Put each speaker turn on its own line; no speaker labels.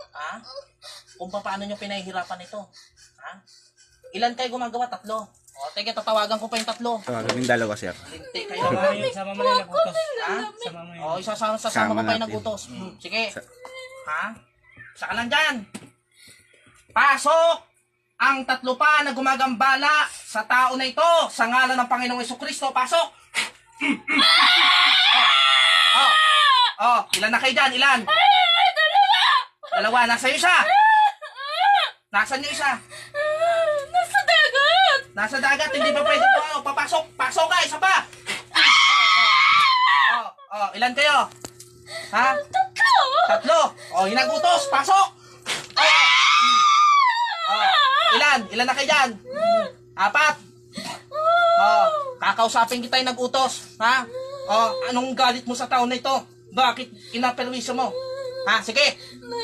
Ha? Kung paano nyo pinahihirapan ito. Ha? Ilan kayo gumagawa? 3. O, teka, tatawagan ko pa yung 3.
Kaming dalawa, sir.
Linti kayo.
Sama mo na yung nagutos.
Ha?
Sama mo yun.
O, sasama
Sama
ko pa yung
natin.
nagutos. Sige. Ha? Saka lang dyan. Pasok ang 3 pa na gumagambala sa tao na ito sa ngalan ng Panginoong Jesucristo. Pasok! Ilan na kayo dyan? Ilan? Dalawa. Nasa iyo isa? Nasaan yung isa?
Nasa dagat!
Nasa dagat, hindi pa pwede po. Papasok! Pasok ka! Isa pa! Ilan kayo? Ha? 3! Hinagutos! Pasok! Ilan? Ilan na kayo dyan? 4! Kakausapin kita yung nag-utos. Ha? Anong galit mo sa tao na ito? Bakit kinaperwisyo mo? Ha? Sige!